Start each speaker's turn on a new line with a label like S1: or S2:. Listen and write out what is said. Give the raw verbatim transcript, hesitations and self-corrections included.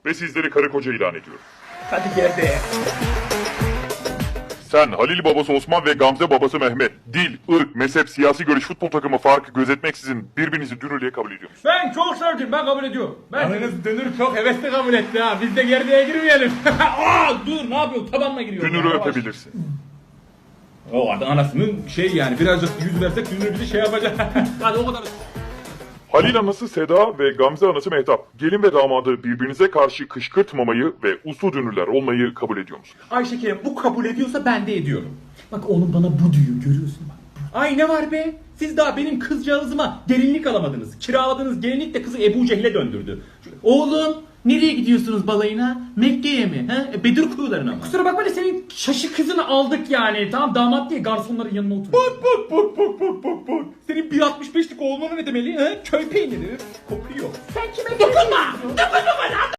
S1: ve sizleri karı koca ilan ediyorum.
S2: Hadi gel be.
S1: Sen Halil babası Osman ve Gamze babası Mehmet, dil, ırk, mezhep, siyasi görüş, futbol takımı farkı gözetmeksizin birbirinizi dünürlüğe kabul ediyor musunuz?
S3: Ben çok sevdim, ben kabul ediyorum. Ben...
S2: Yalnız dönür çok hevesli kabul etti ha. Biz de gerdeğe girmeyelim.
S3: Aa, dur ne yapıyorsun? Tabanla giriyorum.
S1: Dünürü
S3: Yavaş.
S1: öpebilirsin.
S3: O adam anasının şey yani birazcık yüz versek dünür bizi şey yapacak. Hadi o kadar.
S1: Halil anası Seda ve Gamze anası Mehtap, gelin ve damadı birbirinize karşı kışkırtmamayı ve uslu dünürler olmayı kabul ediyor musunuz?
S3: Ay şekerim bu kabul ediyorsa ben de ediyorum.
S2: Bak oğlum bana bu diyor görüyorsun bak.
S3: Ay ne var be? Siz daha benim kızcağızıma gelinlik alamadınız. Kiraladığınız gelinlik de kızı Ebu Cehil'e döndürdü. Oğlum nereye gidiyorsunuz balayına? Mekke'ye mi? He? E, Bedir kuyularına mı? Kusura bakma da senin şaşı kızını aldık yani. Tamam damat diye garsonların yanına otur. Bak bak bak bak bak bak bak. Senin bir altmış beşlik olmanı ne demeli? He? Köy peyniri kokuyor. Sen kime dokunma? Dokunma bana!